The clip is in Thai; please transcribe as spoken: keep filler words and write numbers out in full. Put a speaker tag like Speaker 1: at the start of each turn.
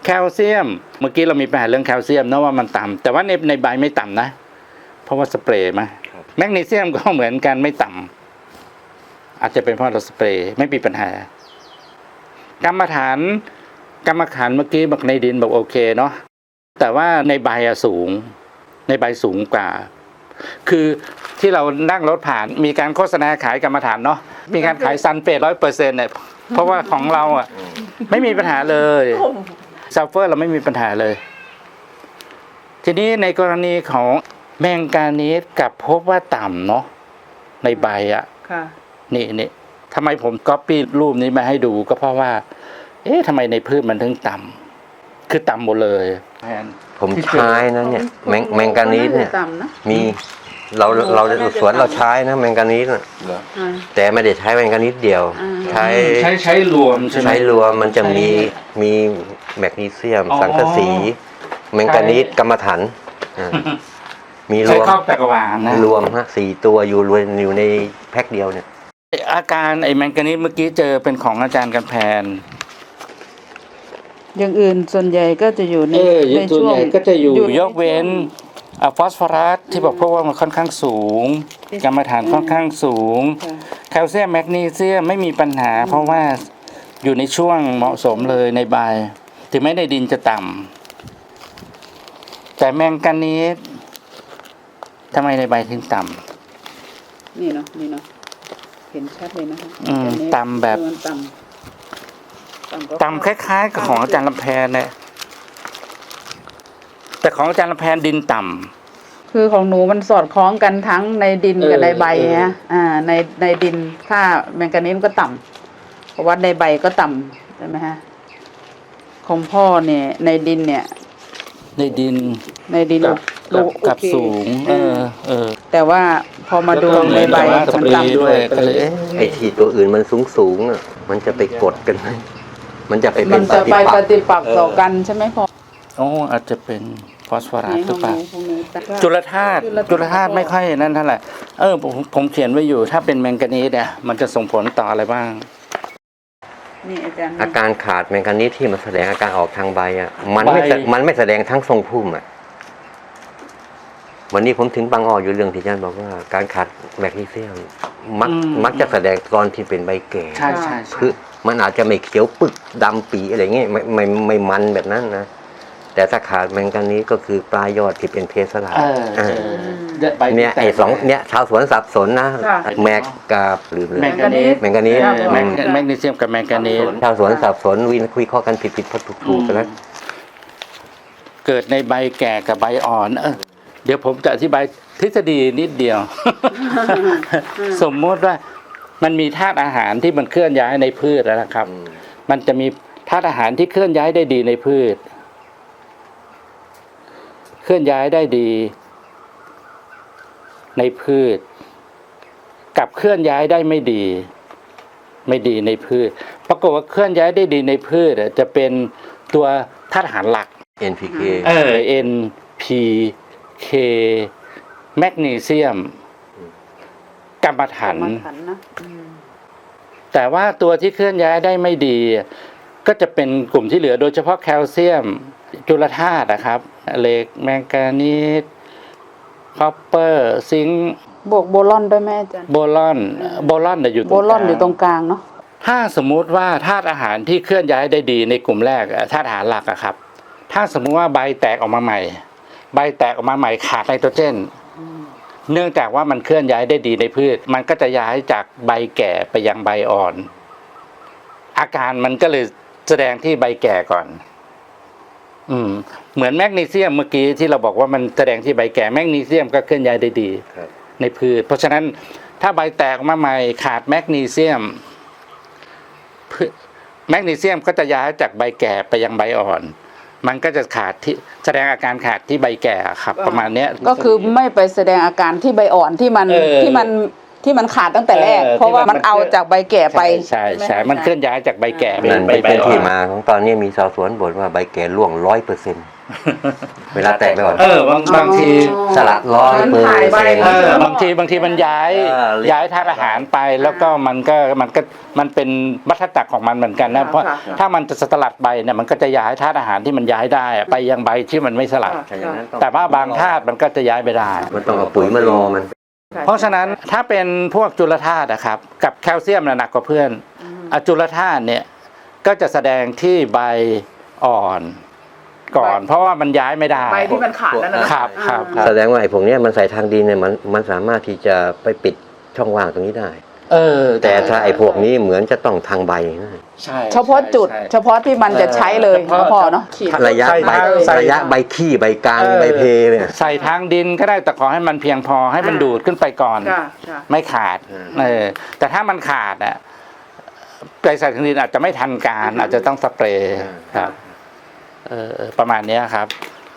Speaker 1: แคลเซียมเมื่อกี้เรามีปัญหาเรื่องแคลเซียมนะว่ามันต่ำแต่ว่าในในใบไม่ต่ำนะเพราะว่าสเปรย์มาแมกนีเซียมก็เหมือนกันไม่ต่ำอาจจะเป็นเพราะเราสเปรย์ไม่มีปัญหากรรมฐานกรรมฐานเมื่อกี้บอกในดินบอกโอเคเนาะแต่ว่าในใบอะสูงในใบสูงกว่าคือที่เรานั่งรถผ่านมีการโฆษณาขายกรรมฐานเนาะมีการขายซันเฟตร้อยเปอร์เซ็นต์เนี่ยเพราะว่าของเราอ่ะไม่มีปัญหาเลยซัลเฟอร์เราไม่มีปัญหาเลยทีนี้ในกรณีของแมงกานีสกับพบว่าต่ำเนาะในใบอ่ะนี่นี่ทำไมผมก๊อปปี้รูปนี้มาให้ดูก็เพราะว่าเอ๊ะทำไมในพืชมันถึงต่ำคือต่ำหมดเลย
Speaker 2: ผมใช้นะเนี่ยแมงแมงกานีสเนี่ยมีเราเราสวนเราใช้นะแมงกานีสแต่ไม่ได้ใช้แมงกานีสเดียวใช้
Speaker 1: ใช้ใช้รวมใช่ไหม
Speaker 2: ใช้รวมมันจะมีมีแมกนีเซียมสังกะสีแมงกานีสกรรมฐานมีรวม
Speaker 1: จักรวาลนะ
Speaker 2: รวมฮะสี่ตัวอยู่รวมอยู่ในแพ็คเดียวเนี่ย
Speaker 1: อาการไอ้แมงกานีสเมื่อกี้เจอเป็นของอาจารย์กันแพน
Speaker 3: อย่างอื่นส่วนใหญ่ก็จะอยู่ใน
Speaker 1: ในช่วงก็จะอยู่ยกเว้นฟอสฟอรัสที่บอกเพราะว่ามันค่อนข้างสูงกรรมฐานค่อนข้างสูงแคลเซียมแมกนีเซียมไม่มีปัญหาเพราะว่าอยู่ในช่วงเหมาะสมเลยในใบถึงแม้ในดินจะต่ำแต่แมงกานีสทำไมในใบถึงต่
Speaker 3: ำนี่เนาะนี่เนาะเห็นชัดเลยนะคะ
Speaker 1: ต่ำแบบต่ำคล้ายๆกับของอาจารย์ลำแพนเนี่ยแต่ของอาจารย์ลำแพนดินต่ำ
Speaker 3: คือของหนูมันสอดคล้องกันทั้งในดินกับในใบฮะอ่าในในดินค่าแมงกานีสก็ต่ำเพราะว่าในใบก็ต่ำใช่ไหมฮะของพ่อเนี่ยในดินเนี่ย
Speaker 1: ในดิน
Speaker 3: ในดิน
Speaker 1: กับสูงเออเออ
Speaker 3: แต่ว่าพอมาดูในใบมันต่ำ
Speaker 1: ด้วยก็เลย
Speaker 2: ไอ้ที่ตัวอื่นมันสูงสูงอ่ะมันจะไปกดกันไหมมันจะไปเป็
Speaker 3: นปฏิปักษ์ปฏิปักษ์ต่อกันใช่ไหมพ่อ
Speaker 1: โอ้อาจจะเป็นฟอสฟอรัสหรือเปล่าจุลธาตุจุลธาตุไม่ค่อยนั่นเท่าไหร่เออผมผมเขียนไว้อยู่ถ้าเป็นแมงกานีสเนี่ยมันจะส่งผลต่ออะไรบ้าง
Speaker 3: นี่อาจารย์
Speaker 2: อาการขาดแมงกานีสที่มันแสดงอาการออกทางใบอ่ะมันไม่มันไม่แสดงทั้งทรงพุ่มอ่ะวันนี้ผมถึงบางอ้ออยู่เรื่องที่อาจารย์บอกว่าการขาดแมกนีเซียมมักมักจะแสดงตอนที่เป็นใบแก่
Speaker 1: ใช่ใช่
Speaker 2: คือมันอาจจะไม่เขียวปึกดำปีอะไรเงี้ยไม่ไม่ไม่มันแบบนั้นนะแต่ถ้าขาดแมงกานีสก็คือปลายยอดที่เป็นเพสลาเนี่ยไอ้สองเนี่ยชาวสวนสับสนนะแมกกับหรือ
Speaker 1: แมงกานีส
Speaker 2: แมงกานีส
Speaker 1: แมกนีเซียมกับแมงกานีส
Speaker 2: ชาวสวนสับสนวินคุยข้อกันผิดผิดพอถูกถูกกันแล้ว
Speaker 1: เกิดในใบแก่กับใบอ่อนเออเดี๋ยวผมจะอธิบายทฤษฎีนิดเดียว สมมติว่ามันมีธาตุอาหารที่มันเคลื่อนย้ายในพืชแล้วนะครับมันจะมีธาตุอาหารที่เคลื่อนย้ายได้ดีในพืชเคลื่อนย้ายได้ดีในพืชกับเคลื่อนย้ายได้ไม่ดีไม่ดีในพืชปรากฏว่าเคลื่อนย้ายได้ดีในพืชจะเป็นตัวธาตุอาหารหลัก
Speaker 2: เอ็น พี เค
Speaker 1: เออ เอ็น พี เค แมกนีเซียมกรรมฐานแต่ว่าตัวที่เคลื่อนย้ายได้ไม่ดีก็จะเป็นกลุ่มที่เหลือโดยเฉพาะแคลเซียมจุลธาตุนะครับเหล็กแมงกานีสคอปเปอร์ซิงค์
Speaker 3: บวกโบลอนด้วยแม่จ๊ะ
Speaker 1: โบลอนโบลอนอยู่ตรงกลาง
Speaker 3: โบลอนอยู่ตรงกลางเนาะ
Speaker 1: ถ้าสมมุติว่าธาตุอาหารที่เคลื่อนย้ายได้ดีในกลุ่มแรกธาตุอาหารหลักอะครับถ้าสมมุติว่าใบแตกออกมาใหม่ใบแตกออกมาใหม่ขาดไนโตรเจนเนื่องจากว่ามันเคลื่อนย้ายได้ดีในพืชมันก็จะย้ายจากใบแก่ไปยังใบอ่อนอาการมันก็เลยแสดงที่ใบแก่ก่อนอืมเหมือนแมกนีเซียมเมื่อกี้ที่เราบอกว่ามันแสดงที่ใบแก่แมกนีเซียมก็เคลื่อนย้ายได้ดีในพืชเพราะฉะนั้นถ้าใบแตกออกมาใหม่ขาดแมกนีเซียมแมกนีเซียมก็จะย้ายจากใบแก่ไปยังใบอ่อนมันก็จะขาดที่แสดงอาการขาดที่ใบแก่ครับประมาณนี้
Speaker 3: ก็คือไม่ไปแสดงอาการที่ใบอ่อนที่มันที่มันที่มันขาดตั้งแต่แรกเพราะว่ามันเอาจากใบแก่ไป
Speaker 1: ใช่ใช่มันเคลื่อนย้ายจากใบแก่
Speaker 2: เป็นเป็นที่มาของตอนนี้มีชาวสวนบ่นว่าใบแก่ร่วงร้อยเปอร์เซ็นต์เวลาแตกไปก่อน
Speaker 1: เออบางบางที
Speaker 2: สลัดร้อย
Speaker 3: มัน
Speaker 2: เปอร์
Speaker 3: ถ่ายใบ
Speaker 2: เซ็นต์
Speaker 1: เออบางทีบางทีมันย้าย
Speaker 2: เออ
Speaker 1: ย้ายธาตุอาหารไปแล้วก็มันก็มันก็มันเป็นวัฏจักรของมันเหมือนกันนะ
Speaker 3: ค่ะ
Speaker 1: เพราะ
Speaker 3: ค่ะ
Speaker 1: ถ้ามันจะสลัดใบเนี่ยมันก็จะย้ายธาตุอาหารที่มันย้ายได้อะไปยังใบที่มันไม่สลัด
Speaker 3: ค่ะ
Speaker 2: ถ้าอย่างนั้นอง
Speaker 1: แต่ว่าบางธาตุมันก็จะย้ายไปได้
Speaker 2: มันต้องเอาปุ๋ยมารอมัน
Speaker 1: เพราะฉะนั้นถ้าเป็นพวกจุลธาตุนะครับกับแคลเซียมน่ะหนักกว่าเพื่อนอะจุลธาตุเนี่ยก็จะแสดงที่ใบอ่อนก่อน เพราะว่ามันย้ายไม่ได้
Speaker 3: ใบที่มันขาดแล้วนะ
Speaker 1: ครับครับ
Speaker 3: อ่า
Speaker 2: แสดงว่าไอ้พวกเนี้ยมันใส่ทางดินเนี่ยมันมันสามารถที่จะไปปิดช่องว่างตรงนี้ได้
Speaker 1: เออ
Speaker 2: แต่ถ้าไอ้พวกนี้เหมือนจะต้องทางใบนะ
Speaker 1: ใช่
Speaker 3: เฉพาะจุด
Speaker 1: ใช่
Speaker 3: เฉพาะที่มันจะใช้เลย
Speaker 1: เฉพาะ
Speaker 3: พอเนาะขีด
Speaker 2: ระยะใบ
Speaker 1: ใส่
Speaker 2: ระยะใบขี้ใบกลาง
Speaker 1: เออ
Speaker 2: ใบเพเนี่ย
Speaker 1: ใส่ทางดินก็ได้แต่ขอให้มันเพียงพอให้มัน
Speaker 3: อ่า
Speaker 1: ดูดขึ้นไปก่อน
Speaker 3: ค่ะค่ะ
Speaker 1: ไม่ขาด
Speaker 2: อืม
Speaker 1: เออแต่ถ้ามันขาดอ่ะไปใส่ทางดินอาจจะไม่ทันการ อาจจะต้องสเปรย์ครับเออเออประมาณเนี้ยครับ